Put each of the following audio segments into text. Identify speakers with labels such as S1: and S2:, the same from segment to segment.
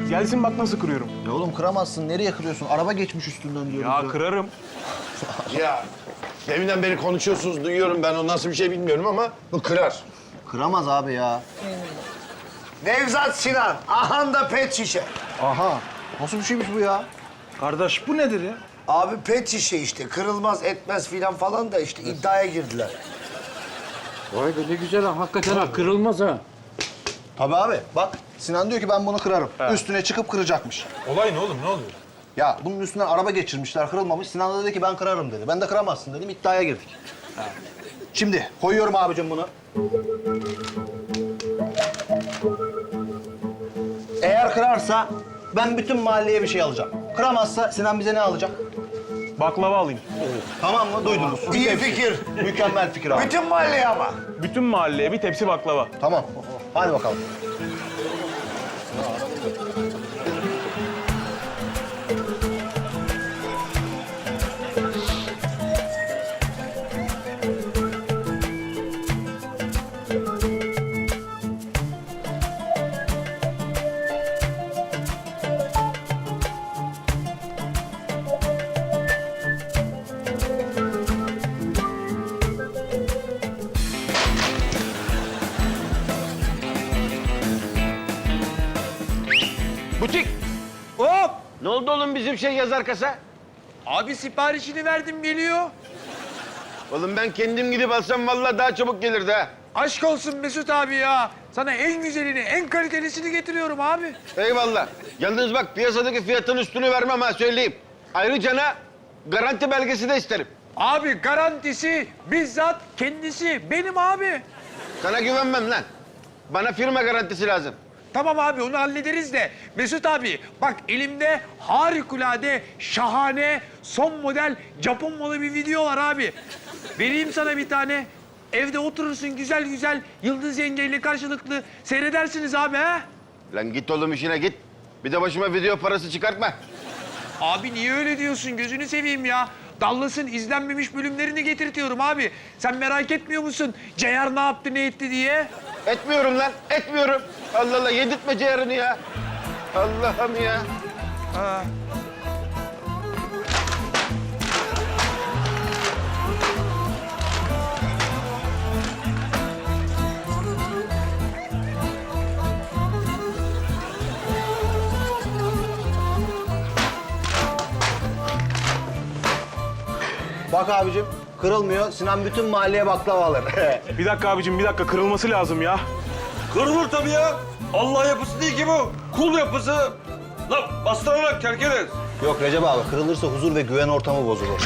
S1: Gelsin bak nasıl kırıyorum.
S2: Ya oğlum kıramazsın. Nereye kırıyorsun? Araba geçmiş üstünden diyorum.
S1: Ya kırarım.
S3: Ya deminden beri konuşuyorsunuz, duyuyorum ben. O nasıl bir şey bilmiyorum ama bu kırar.
S2: Kıramaz abi ya.
S4: Nevzat Sinan, ahanda pet şişe.
S2: Aha. Nasıl bir şeymiş bu ya?
S5: Kardeş bu nedir ya?
S4: Abi pet şişe işte, kırılmaz etmez filan falan da işte iddiaya girdiler.
S6: Vay be ne güzel ha. Hakikaten ha. Kırılmaz ha.
S2: Tabii abi. Bak Sinan diyor ki ben bunu kırarım. Üstüne çıkıp kıracakmış.
S5: Olay ne oğlum ne oluyor?
S2: Ya bunun üstünden araba geçirmişler, kırılmamış. Sinan da dedi ki ben kırarım dedi. Ben de kıramazsın dedim. İddiaya girdik. Şimdi koyuyorum abicim bunu. Eğer kırarsa ben bütün mahalleye bir şey alacağım. Kıramazsa Sinan bize ne alacak?
S1: Baklava alayım.
S2: Tamam mı? Duydunuz.
S4: İyi fikir.
S2: Mükemmel fikir abi.
S4: Bütün mahalleye ama.
S1: Bütün mahalleye bir tepsi baklava.
S2: Tamam. Hadi bakalım.
S3: Butik!
S5: Hop!
S3: Ne oldu oğlum bizim şey yazar kasa?
S5: Abi siparişini verdim geliyor.
S3: Oğlum ben kendim gidip alsam vallahi daha çabuk gelirdi ha.
S5: Aşk olsun Mesut abi ya. Sana en güzelini, en kalitelisini getiriyorum abi.
S3: Eyvallah. Yalnız bak piyasadaki fiyatın üstünü vermem ha söyleyeyim. Ayrıca garanti belgesi de isterim.
S5: Abi garantisi bizzat kendisi benim abi.
S3: Sana güvenmem lan. Bana firma garantisi lazım.
S5: Tamam abi onu hallederiz de Mesut abi bak elimde harikulade, şahane, son model Japon malı bir video var abi. Vereyim sana bir tane. Evde oturursun güzel güzel Yıldız yengeyle karşılıklı seyredersiniz abi ha.
S3: Lan git oğlum işine git. Bir de başıma video parası çıkartma.
S5: Abi niye öyle diyorsun? Gözünü seveyim ya. Dallas'ın izlenmemiş bölümlerini getirtiyorum abi. Sen merak etmiyor musun? Ceyar ne yaptı, ne etti diye?
S3: Etmiyorum lan, etmiyorum. Allah Allah, yedirtme ciğerini ya. Allah'ım ya.
S2: Bak abicim kırılmıyor. Sinan bütün mahalleye baklava alır.
S1: Bir dakika abicim, bir dakika. Kırılması lazım ya.
S7: Kırılır tabii ya. Allah yapısı değil ki bu. Kul yapısı. Lan bastırarak terk ederiz.
S2: Yok Recep abi kırılırsa huzur ve güven ortamı bozulur.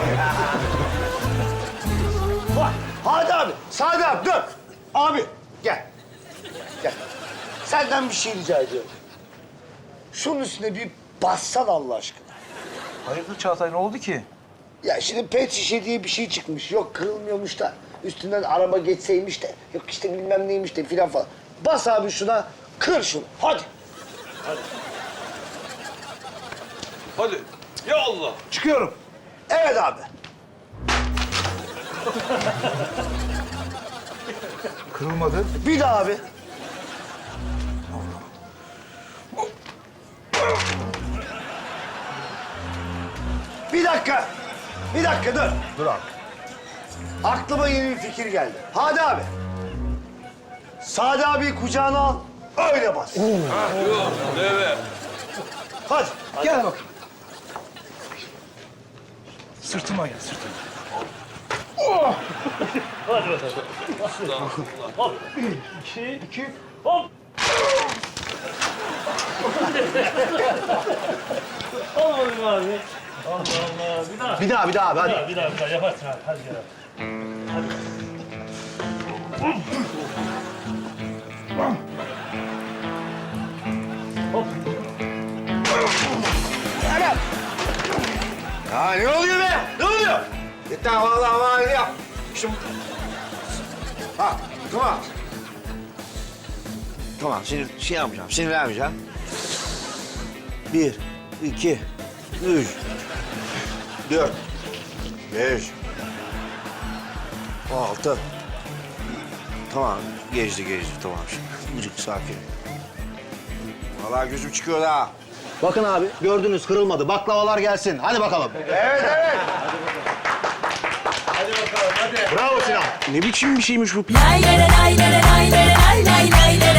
S4: Hadi abi, Sadi abi dur. Abi gel. Gel. Senden bir şey rica ediyorum. Şunun üstüne bir bassan Allah aşkına.
S5: Hayırdır Çağatay, ne oldu ki?
S4: Ya şimdi pet şişe diye bir şey çıkmış. Yok kırılmıyormuş da üstünden araba geçseymiş de. Yok işte bilmem neymiş de filan falan. Bas abi şuna, kır şunu. Hadi.
S7: Hadi. Ya Allah.
S4: Çıkıyorum. Evet abi.
S5: Kırılmadı.
S4: Bir daha abi. Bir dakika. Bir dakika dur.
S2: Dur abi.
S4: Aklıma yeni bir fikir geldi. Hadi abi. Sadi abi kucağına al. Öyle bas.
S7: Evet.
S4: Hadi.
S5: Gel bakayım. Sırtıma gel, sırtıma.
S6: Olmadı abi. Allah Allah. Bir daha.
S2: Bir daha abi hadi.
S6: Bir daha yaparsın abi. Hadi gel.
S3: Ya ne oluyor be? Ne oluyor? Yeter vallahi yap. Şimdi... Ha, tamam. Tamam, şimdi şey yapmayacağım, sinirlenmeyeceğim. 1, 2, 3, 4, 5, 6. Tamam, geçti tamam şimdi. Bıcık sakin. Vallahi gözüm çıkıyor da.
S2: Bakın abi gördünüz kırılmadı. Baklavalar gelsin. Hadi bakalım.
S4: Evet, evet.
S2: Bravo Sinan.
S1: Ne biçim bir şeymiş bu?
S8: Lay lay lay lay lay lay lay lay lay lay.